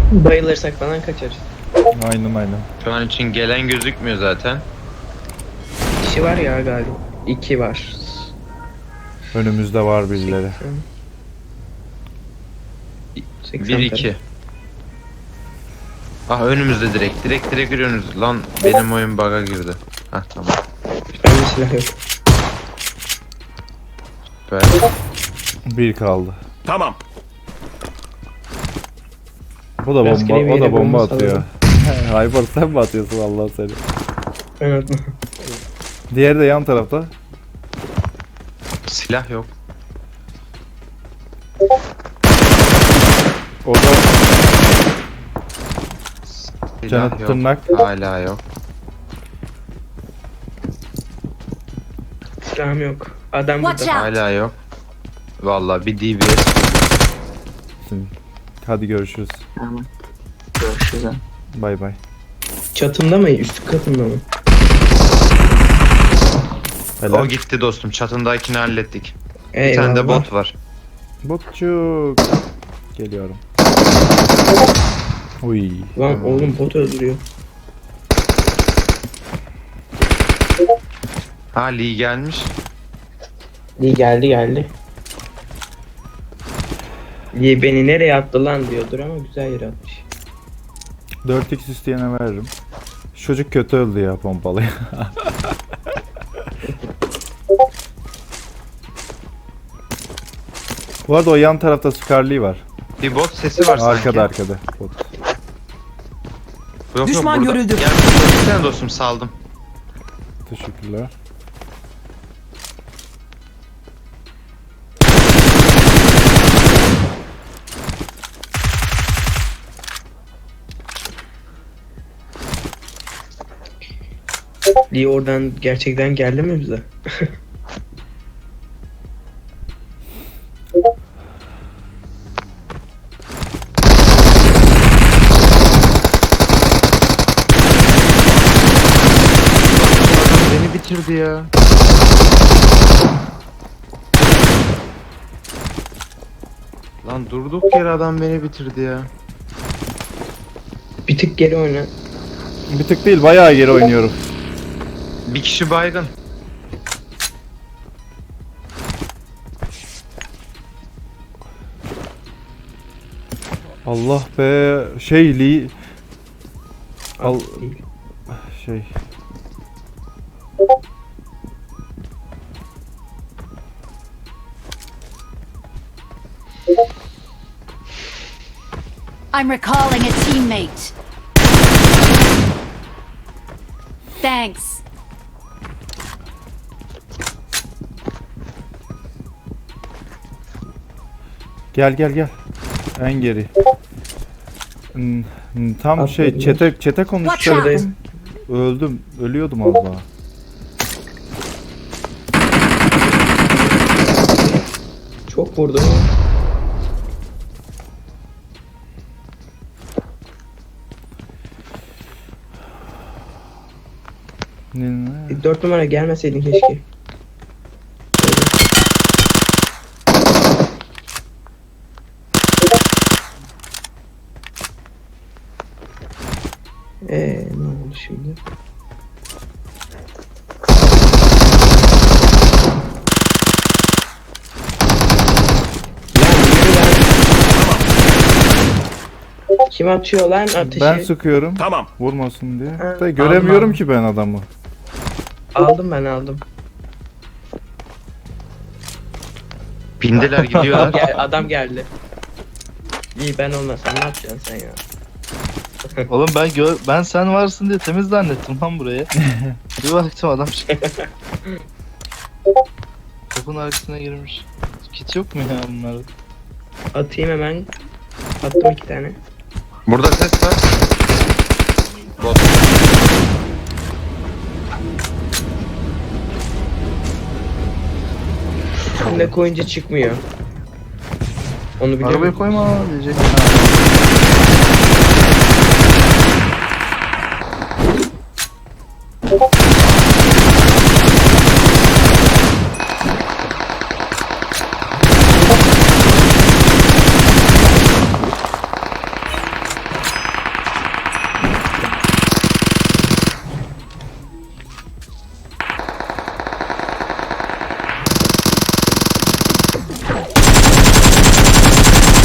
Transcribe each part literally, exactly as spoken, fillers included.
Bayılırsak falan kaçarız. Aynen aynen. Şu an için gelen gözükmüyor zaten. Kişi var ya galiba. İki var. Önümüzde var birileri. seksen bir iki. Ah önümüzde direkt. Direkt direkt görüyorsunuz. Lan benim oyun bug'a girdi. Hah tamam. Bende silah yok. Böyle. Bir kaldı. Tamam. Bu da Rastgele bomba, bir o da yere bomba bomba atıyor. Haybar sen mi atıyorsun Allah seni? Ben atma. Diğeri de yan tarafta. Silah yok. O da Silah Canı yok. tırnak. Hala yok. Silahım yok. Adam Watch burada. out. Hala yok. Vallahi bir D B S. Hadi görüşürüz. Tamam. Görüşürüz. Bay bay. Çatımda mı? Üst katımda mı? Helal. O gitti dostum. Çatındakini hallettik. Bir Eyvallah. tane de bot var. Botçuk. Geliyorum. Uy. Lan oğlum bot öldürüyor. Ha Lee gelmiş. İyi geldi geldi. İyi beni nereye attı lan diyordur ama güzel yere atmış. dört x isteyene veririm. Şu çocuk kötü öldü ya pompalı. Bu arada o yan tarafta Scarlet var. Bir bot sesi var sanki. Arkada arkada. Bot. Yok, Düşman yok, burada. görüldü. Gel sen dostum saldım. Teşekkürler. Lee oradan gerçekten geldi mi bize? Beni bitirdi ya. Lan durduk yere adam beni bitirdi ya. Bir tık geri oyna. Bir tık değil bayağı geri oynuyorum. Bir kişi baygın. Allah be şey Lee al şey I'm recalling a teammate. Thanks. gel gel gel en geri. Hmm, hmm, Tam şey Atladılar. çete çete Watch konuşacaktım. out. Öldüm. Ölüyordum az daha. Çok vurdu. Ne- ne? Dört numara gelmeseydin keşke. Eee ne oldu şimdi? Kim atıyor lan ateşi? Ben sıkıyorum. Tamam. Vurmasın diye. Ha, Da göremiyorum aldım. ki ben adamı. Aldım ben aldım. Bindiler gidiyorlar. Gel, adam geldi. İyi ben olmasam ne yapacaksın sen ya? Oğlum ben gör ben sen varsın diye temiz zannettim lan buraya. Bir baktım adam çıktı. Kapının arkasına girmiş. Kit yok mu ya bunlarda? Atayım hemen. Attım iki tane. Burada ses var. Bot. Şimdi koyunca çıkmıyor. Onu biliyor Arabaya musun? koyma diyecek.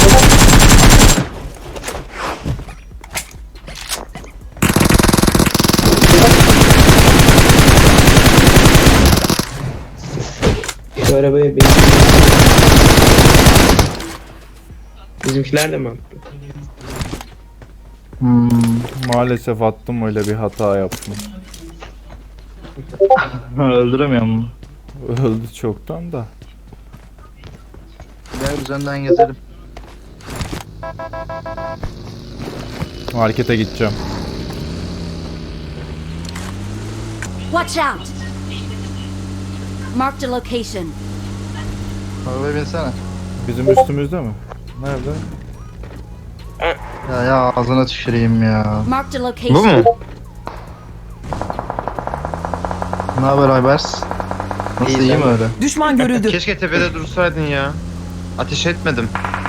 Şu arabaya bin. Bizimkiler de mi attı? Hmm. Maalesef attım, öyle bir hata yaptım. Öldüremiyorum mu? Öldü çoktan da. Gel üzerinden gezelim. Markete gideceğim. Watch out! Marked a location. Arabaya binsene. Bizim üstümüzde mi? Nerede? Ya ya ağzına tüküreyim ya. Marked a Bu location. mu? Ne haber Aybers? Nasıl İyi, iyi mi sen de. öyle? Düşman görüldü. Keşke tepede dursaydın ya. Ateş etmedim.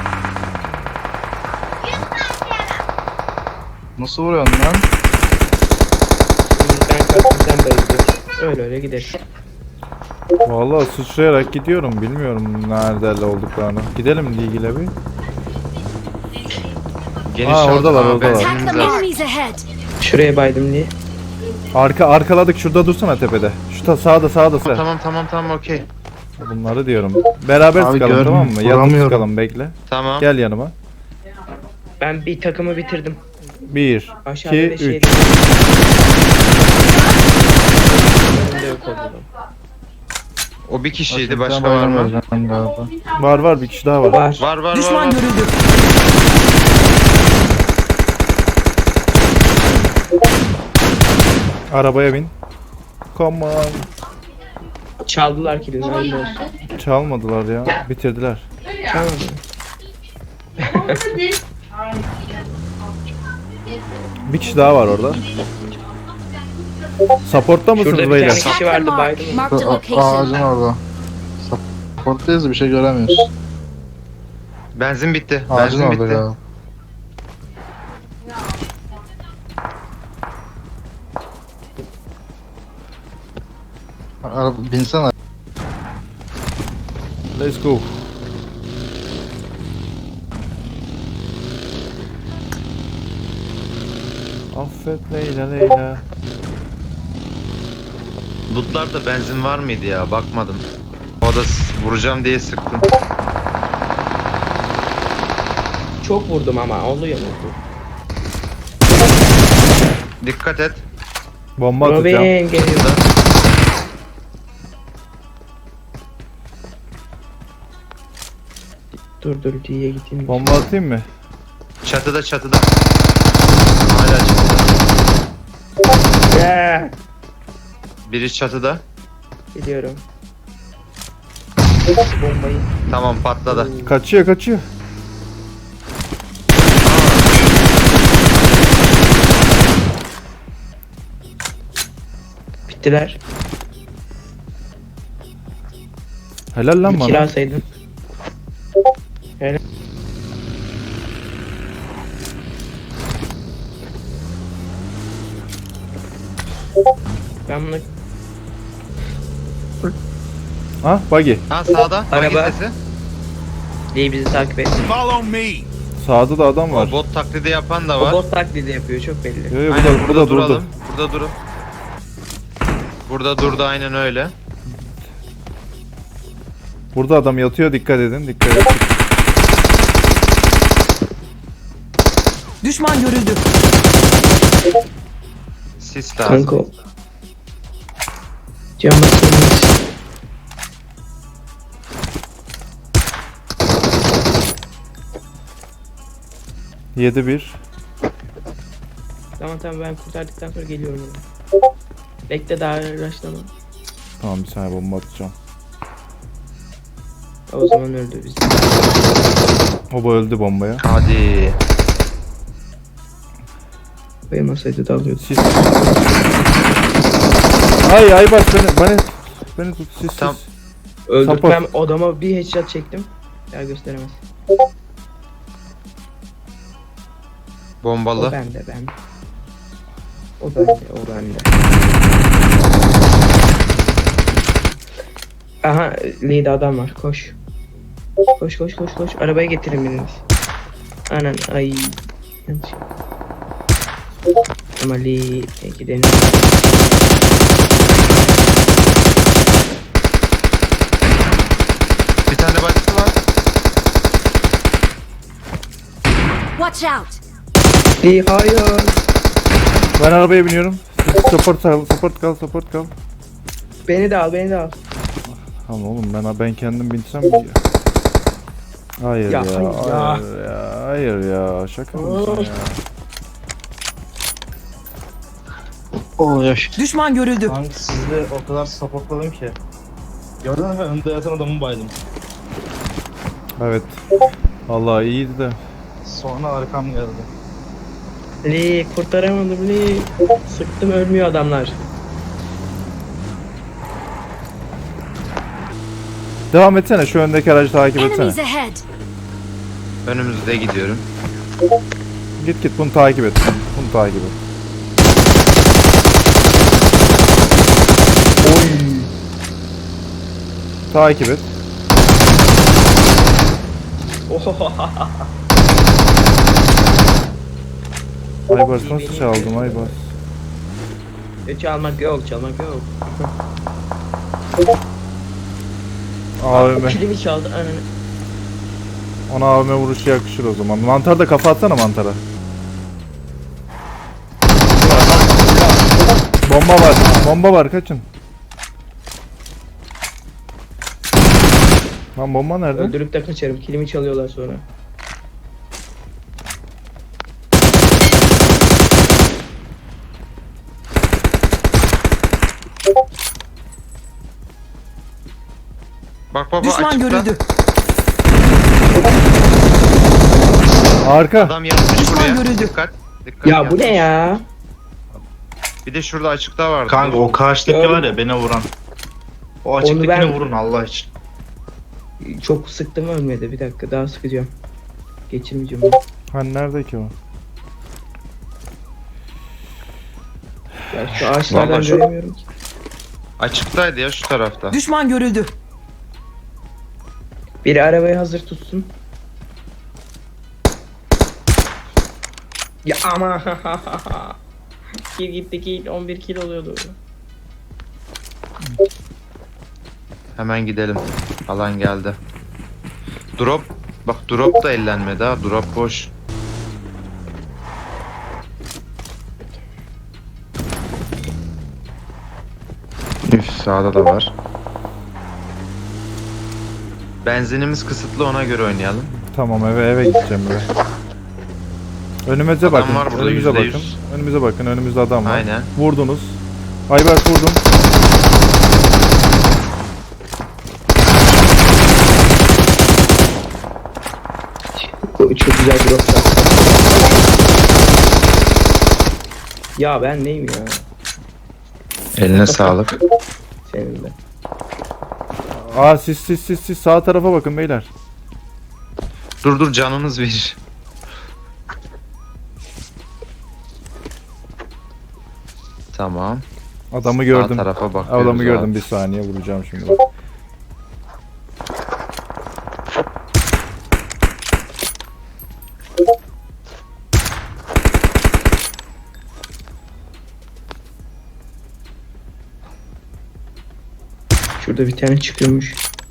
Nasıl vuruyorsun lan? Ben kalktım sen bayılıyorsun. Öyle öyle gider. Vallahi sıçrayarak gidiyorum. Bilmiyorum nerede olduklarını. Gidelim ilgili bir. Geniş Aa, yol- oradalar, Aa, oradalar. benzinimiz Attack the var. enemies ahead. Şuraya baydım diye. Arka arkaladık, şurada dursana tepede. Şu ta sağda sağda sıra. Tamam tamam tamam okey. Bunları diyorum. Beraber Abi sıkalım, görmüyorum, tamam mı? Yanına vuramıyorum. sıkalım, bekle. Tamam. Gel yanıma. Ben bir takımı bitirdim. bir, Aşağıda iki, da şey. üç. Önümde yok oldu. O bir kişiydi, Başka başka var mı? Galiba. Var var, bir kişi daha var. Var. Var var var. Düşman var. görüldü. Arabaya bin. Come on. Çaldılar kilini. Öyle olsun. Çalmadılar ya. Bitirdiler. Çalmadı. Bir kişi daha var orada. Support'ta mısınız Şurada bir beyler? tane- Attack the vardı, mark. baydım. Marked a A- location. Ağacın orada. Supporttayız da bir şey göremiyoruz. Benzin bitti. Ağacın Benzin orada bitti. galiba. Araba binsene. Let's go. Affet Leyla Leyla. Lootlarda benzin var mıydı ya? Bakmadım. O da s- vuracağım diye sıktım. Çok vurdum ama oluyor mu? Dikkat et. Bomba atacağım. Robin geliyor. Dur dur diye gideyim. Bomba atayım mı? Çatıda çatıda. Hala çatıda. Ya, Biri çatıda. gidiyorum. Bombayı. Tamam patladı. Kaçıyor kaçıyor. Bittiler. Helal lan Bir bana. kiralasaydın. Ben bunu Ha buggy. Ha sağda. Araba. Hangi sesi? diye bizi takip et. Sağda da adam var. O bot taklidi yapan da O var. bot taklidi yapıyor çok belli. Yo, yo, bu Aynen, da, bu da durdu. duralım. Burada durun. Burada durdu aynen öyle. Burada adam yatıyor, dikkat edin, dikkat edin. Düşman görüldü. Sis lazım. Kanka. Cam basıyoruz. yedi bir. Tamam tamam ben kurtardıktan sonra geliyorum. Oraya. Bekle daha uğraşlama. Tamam bir saniye bomba atacağım. O zaman öldü biz. O öldü bombaya. Hadi. Koyamasaydı da alıyordu. Sis. Ay ay bak beni beni beni tut sis sis. Tam- Öldürtmem odama bir headshot çektim. Ya gösteremez. O Bombalı. bende ben. O bende o bende. Aha lead adam var koş. Koş koş koş koş arabaya getirin biriniz. Anan ay. Yanlış. Ama Lee gidelim. Bir tane başkası var. Watch out! Lee hayır. Ben arabaya biniyorum. Siz support, support kal, support kal. Beni de al, beni de al. Tamam oğlum ben ben kendim binsem mi ya? Hayır ya, Ya, hayır ya. hayır ya, hayır ya, şaka mısın ya? Oh yaş. Düşman görüldü. Kanka sizi o kadar supportladım ki. Gördün mü? Önde yatan adamı baydım. Evet. Vallahi iyiydi de. Sonra arkam geldi. Lee kurtaramadım Lee. Sıktım ölmüyor adamlar. Devam etsene, şu öndeki aracı takip etsene. Enemies ahead! Önümüzde gidiyorum. Git git bunu takip et. Bunu takip et. Oy. Takip et. Aybars nasıl çaldım Aybars? E, çalmak yok, çalmak yok. A V M. Kilimi çaldı ananı. Ona A V M vuruşu yakışır o zaman. Mantar da kafa atsana mantara. Bomba var. Bomba var, kaçın. Lan bomba nerede? Öldürüp de kaçarım. Kilimi çalıyorlar sonra. Bak baba Düşman açıkta. görüldü. Arka. Adam yanmış Düşman buraya. görüldü. Dikkat. Dikkat Ya bu ne yanmış. ya? Bir de şurada açıkta vardı. Kanka o karşıdaki var ya beni vuran. O açıktakini ben- vurun Allah için. Çok sıktım ölmedi. Bir dakika daha sıkacağım. Geçirmeyeceğim onu. Hani nerede ki o? Ya şu ağaçlardan Vallahi şu- göremiyorum ki. Açıktaydı ya şu tarafta. Düşman görüldü. Biri arabayı hazır tutsun. Ya ama kill gitti kill on bir kill oluyordu. Hemen gidelim. Alan geldi. Drop. Bak drop da ellenmedi ha. Drop boş. Üf sağda da var. Benzinimiz kısıtlı ona göre oynayalım. Tamam eve eve gideceğim eve. Önümüze Adam bakın. var burada, önümüze yüzde bakın. yüz. Önümüze bakın. Önümüzde adam var. Aynen. Vurdunuz. Aybars vurdum. Çok güzel bir rota. Ya ben neyim ya? Eline sağlık. Senin de. Aa siz siz siz siz sağ tarafa bakın beyler. Dur dur canınız bir. Tamam. Adamı Sağ gördüm. tarafa bakıyoruz. Adamı abi. gördüm, bir saniye vuracağım şimdi bak. Şurada bir tane çıkıyormuş.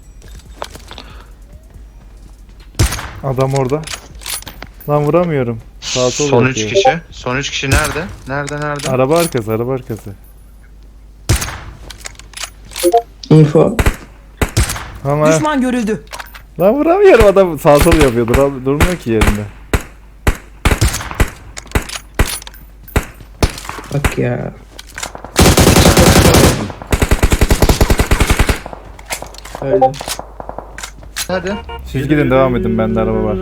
Adam orada. Lan vuramıyorum. Sağ sol Son üç yapıyor. kişi. Son üç kişi nerede? Nerede nerede? Araba arkası, araba arkası. Info. Ama Düşman görüldü. lan vuramıyorum, adam sağ sol yapıyor. Dur, durmuyor ki yerinde. Bak ya. Öldüm. Hadi. Siz gidin devam edin, bende araba var.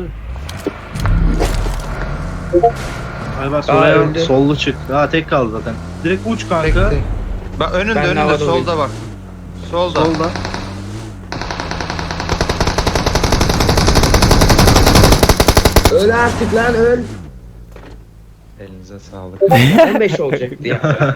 Aybars Aa, oraya öldü. sollu çık. Daha tek kaldı zaten. Direkt uç kanka. Bekle. Bak önünde Ben önünde havada solda bak. Solda. Solda. Öl artık lan öl. Elinize sağlık. on beş olacaktı ya.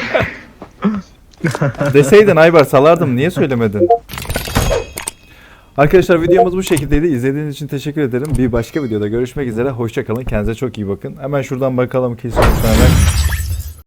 Deseydin Aybar salardım, niye söylemedin? Arkadaşlar videomuz bu şekildeydi. İzlediğiniz için teşekkür ederim. Bir başka videoda görüşmek üzere. Hoşça kalın. Kendinize çok iyi bakın. Hemen şuradan bakalım ki sonuçlarına.